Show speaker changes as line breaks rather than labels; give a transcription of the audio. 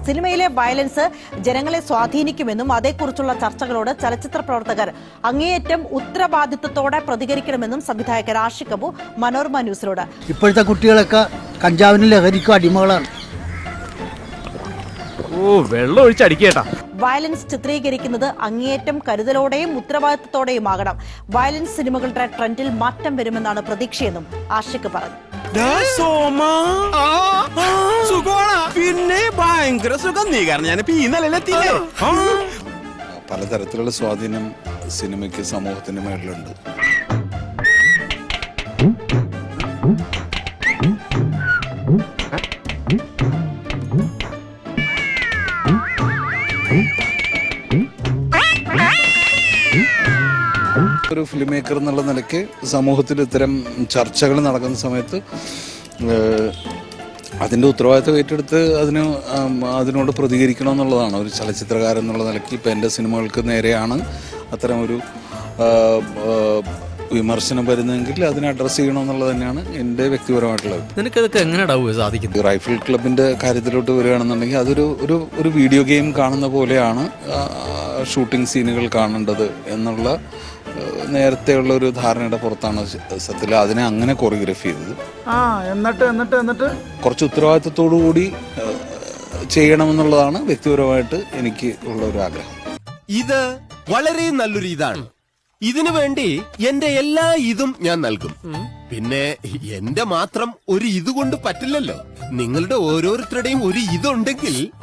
സിനിമയിലെ വയലൻസ് ജനങ്ങളെ സ്വാധീനിക്കുമെന്നും അതേക്കുറിച്ചുള്ള ചർച്ചകളോട് ചലച്ചിത്ര പ്രവർത്തകർ അങ്ങേയറ്റം ഉത്തരവാദിത്വത്തോടെ പ്രതികരിക്കണമെന്നും സംവിധായകൻ ആഷിഖ് അബു മനോരമ ന്യൂസിനോട്.
ഇപ്പോഴത്തെ കുട്ടികളൊക്കെ കഞ്ചാവിനും ലഹരിക്കും അടിമകളാണ്.
വെള്ളം ഒഴിച്ചടിക്കേട്ടാ.
വയലൻസ് ചിത്രീകരിക്കുന്നത് അങ്ങേയറ്റം കരുതലോടെയും ഉത്തരവാദിത്തത്തോടെയുമാകണം. വയലൻസ് സിനിമകളുടെ ട്രെൻഡിൽ മാറ്റം വരുമെന്നാണ് പ്രതീക്ഷയെന്നും ആഷിഖ് പറഞ്ഞു.
പിന്നെ ഭയങ്കര സുഖം. നീ കാരണം ഞാനിപ്പോ ഈ നിലയിലെത്തിയില്ലേ.
പലതരത്തിലുള്ള സ്വാധീനം സിനിമയ്ക്ക് സമൂഹത്തിന്റെ മേളിലുണ്ട്. ഒരു ഫിലിം മേക്കർ എന്നുള്ള നിലയ്ക്ക് സമൂഹത്തിൽ ഇത്തരം ചർച്ചകൾ നടക്കുന്ന സമയത്ത് അതിൻ്റെ ഉത്തരവാദിത്തം ഏറ്റെടുത്ത് അതിനോട് പ്രതികരിക്കണം എന്നുള്ളതാണ് ഒരു ചലച്ചിത്രകാരൻ എന്നുള്ള നിലയ്ക്ക്. ഇപ്പം എൻ്റെ സിനിമകൾക്ക് നേരെയാണ് അത്തരം ഒരു വിമർശനം വരുന്നതെങ്കിൽ അതിനെ അഡ്രസ്സ് ചെയ്യണമെന്നുള്ളത് തന്നെയാണ് എൻ്റെ വ്യക്തിപരമായിട്ടുള്ളത്.
നിനക്കതൊക്കെ എങ്ങനെയാ സാധിക്കുന്നത്?
റൈഫിൾ ക്ലബിൻ്റെ കാര്യത്തിലോട്ട് വരികയാണെന്നുണ്ടെങ്കിൽ അതൊരു ഒരു വീഡിയോ ഗെയിം കാണുന്ന പോലെയാണ് ഷൂട്ടിംഗ് സീനുകൾ കാണേണ്ടത് എന്നുള്ള നേരത്തെയുള്ള ഒരു ധാരണയുടെ പുറത്താണ് സത്യത്തിൽ അതിനെ അങ്ങനെ കൊറിയോഗ്രഫി ചെയ്തത്.
എന്നിട്ട്
കുറച്ച് ഉത്തരവാദിത്തത്തോടു കൂടി ചെയ്യണമെന്നുള്ളതാണ് വ്യക്തിപരമായിട്ട് എനിക്ക് ഉള്ള ഒരു ആഗ്രഹം.
ഇത് വളരെ നല്ലൊരു ഇതാണ്. ഇതിനു വേണ്ടി എന്റെ എല്ലാ ഇതും ഞാൻ നൽകും. പിന്നെ എന്റെ മാത്രം ഒരു ഇതുകൊണ്ട് പറ്റില്ലല്ലോ. നിങ്ങളുടെ ഓരോരുത്തരുടെയും ഒരു ഇതുണ്ടെങ്കിൽ